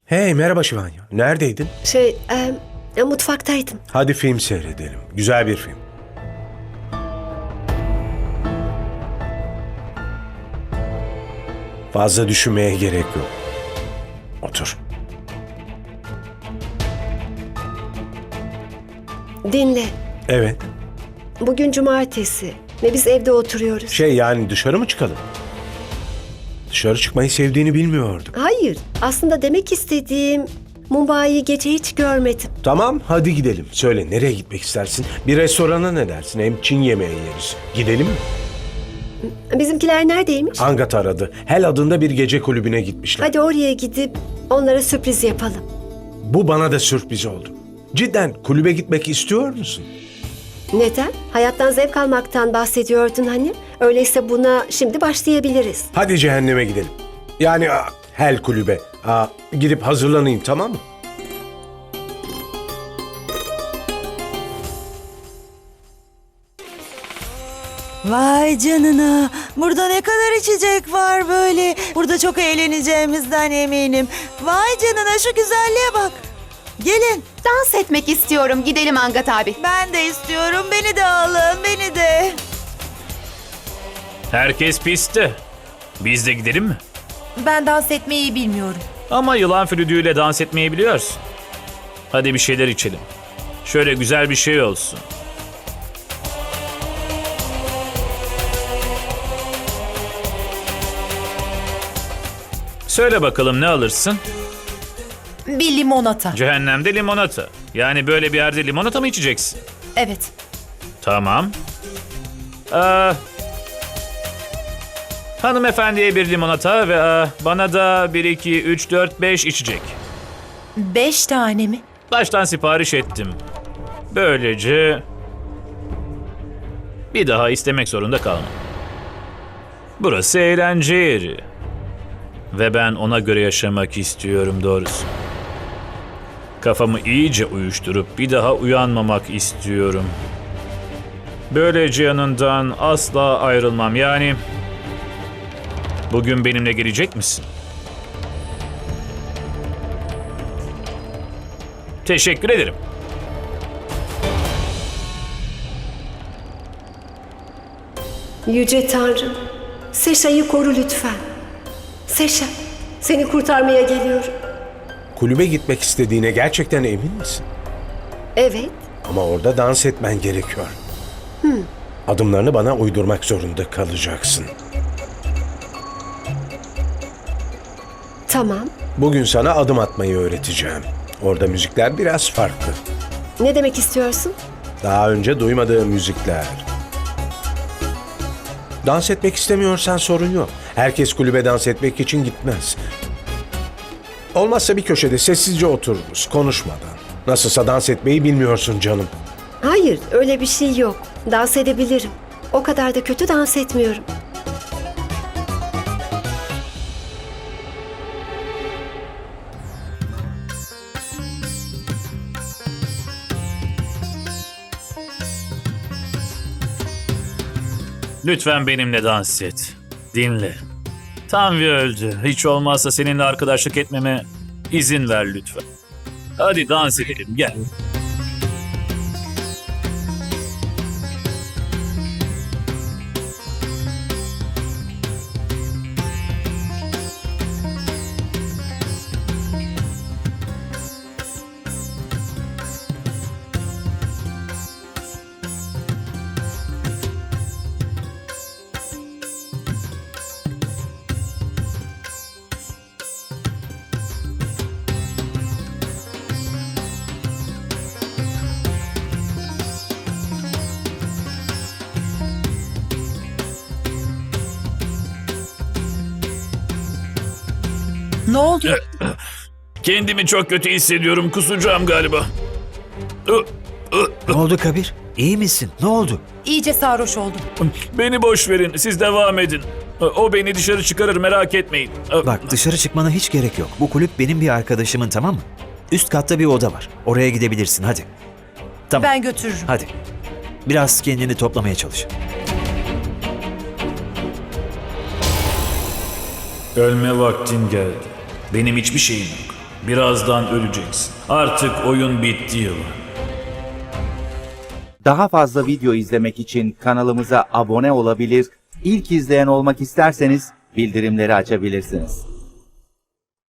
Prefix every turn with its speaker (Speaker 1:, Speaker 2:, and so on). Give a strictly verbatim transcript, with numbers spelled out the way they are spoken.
Speaker 1: Hey merhaba Şivanya. Neredeydin?
Speaker 2: Şey, e, mutfaktaydım.
Speaker 1: Hadi film seyredelim. Güzel bir film. Fazla düşünmeye gerek yok. Otur.
Speaker 2: Dinle.
Speaker 1: Evet.
Speaker 2: Bugün cumartesi ve biz evde oturuyoruz.
Speaker 1: Şey yani dışarı mı çıkalım? Dışarı çıkmayı sevdiğini bilmiyordum.
Speaker 2: Hayır, aslında demek istediğim Mumbai'yi gece hiç görmedim.
Speaker 1: Tamam hadi gidelim. Söyle nereye gitmek istersin? Bir restorana ne dersin? Hem Çin yemeği yeriz. Gidelim mi?
Speaker 2: Bizimkiler neredeymiş?
Speaker 1: Angat aradı. Hel adında bir gece kulübüne gitmişler.
Speaker 2: Hadi oraya gidip onlara sürpriz yapalım.
Speaker 1: Bu bana da sürpriz oldu. Cidden kulübe gitmek istiyor musun?
Speaker 2: Neden? Hayattan zevk almaktan bahsediyordun hani. Öyleyse buna şimdi başlayabiliriz.
Speaker 1: Hadi cehenneme gidelim. Yani aa, Hel kulübe. Aa, gidip hazırlanayım tamam mı?
Speaker 3: Vay canına. Burada ne kadar içecek var böyle. Burada çok eğleneceğimizden eminim. Vay canına şu güzelliğe bak. Gelin.
Speaker 4: Dans etmek istiyorum. Gidelim Angat abi.
Speaker 3: Ben de istiyorum. Beni de alın. Beni de.
Speaker 5: Herkes pistte. Biz de gidelim mi?
Speaker 3: Ben dans etmeyi bilmiyorum.
Speaker 5: Ama yılan flütüyle dans etmeyi biliyorsun. Hadi bir şeyler içelim. Şöyle güzel bir şey olsun. Söyle bakalım ne alırsın?
Speaker 3: Bir limonata.
Speaker 5: Cehennemde limonata. Yani böyle bir yerde limonata mı içeceksin?
Speaker 3: Evet.
Speaker 5: Tamam. Ee, hanımefendiye bir limonata ve e, bana da bir, iki, üç, dört, beş içecek.
Speaker 3: Beş tane mi?
Speaker 5: Baştan sipariş ettim. Böylece bir daha istemek zorunda kalmam. Burası eğlence yeri. Ve ben ona göre yaşamak istiyorum doğrusu. Kafamı iyice uyuşturup bir daha uyanmamak istiyorum. Böylece yanından asla ayrılmam. Yani bugün benimle gelecek misin? Teşekkür ederim.
Speaker 2: Yüce Tanrım, Seşa'yı koru lütfen. Seşa, seni kurtarmaya geliyorum.
Speaker 1: Kulübe gitmek istediğine gerçekten emin misin?
Speaker 2: Evet,
Speaker 1: Ama orada dans etmen gerekiyor. Adımlarını bana uydurmak zorunda kalacaksın.
Speaker 2: tamam.
Speaker 1: Bugün sana adım atmayı öğreteceğim. Orada müzikler biraz farklı.
Speaker 2: Ne demek istiyorsun?
Speaker 1: Daha önce duymadığım müzikler. Dans etmek istemiyorsan sorun yok. Herkes kulübe dans etmek için gitmez. Olmazsa bir köşede sessizce otururuz, konuşmadan. Nasılsa dans etmeyi bilmiyorsun canım.
Speaker 2: Hayır, öyle bir şey yok. Dans edebilirim. O kadar da kötü dans etmiyorum.
Speaker 5: Lütfen benimle dans et. Dinle. Tanvi öldü. Hiç olmazsa seninle arkadaşlık etmeme izin ver lütfen. Hadi dans edelim gel.
Speaker 3: Ne oldu?
Speaker 5: Kendimi çok kötü hissediyorum. Kusacağım galiba.
Speaker 6: Ne oldu Kabir? İyi misin? Ne oldu?
Speaker 3: İyice sarhoş oldum.
Speaker 5: Beni boş verin. Siz devam edin. O beni dışarı çıkarır merak etmeyin.
Speaker 6: Bak dışarı çıkmana hiç gerek yok. Bu kulüp benim bir arkadaşımın, tamam mı? Üst katta bir oda var. Oraya gidebilirsin hadi. Tamam.
Speaker 3: Ben götürürüm.
Speaker 6: Hadi. Biraz kendini toplamaya çalış.
Speaker 5: Ölme vaktin geldi. Benim hiçbir şeyim yok. Birazdan öleceksin. Artık oyun bitti yılan.
Speaker 7: Daha fazla video izlemek için kanalımıza abone olabilir, ilk izleyen olmak isterseniz bildirimleri açabilirsiniz.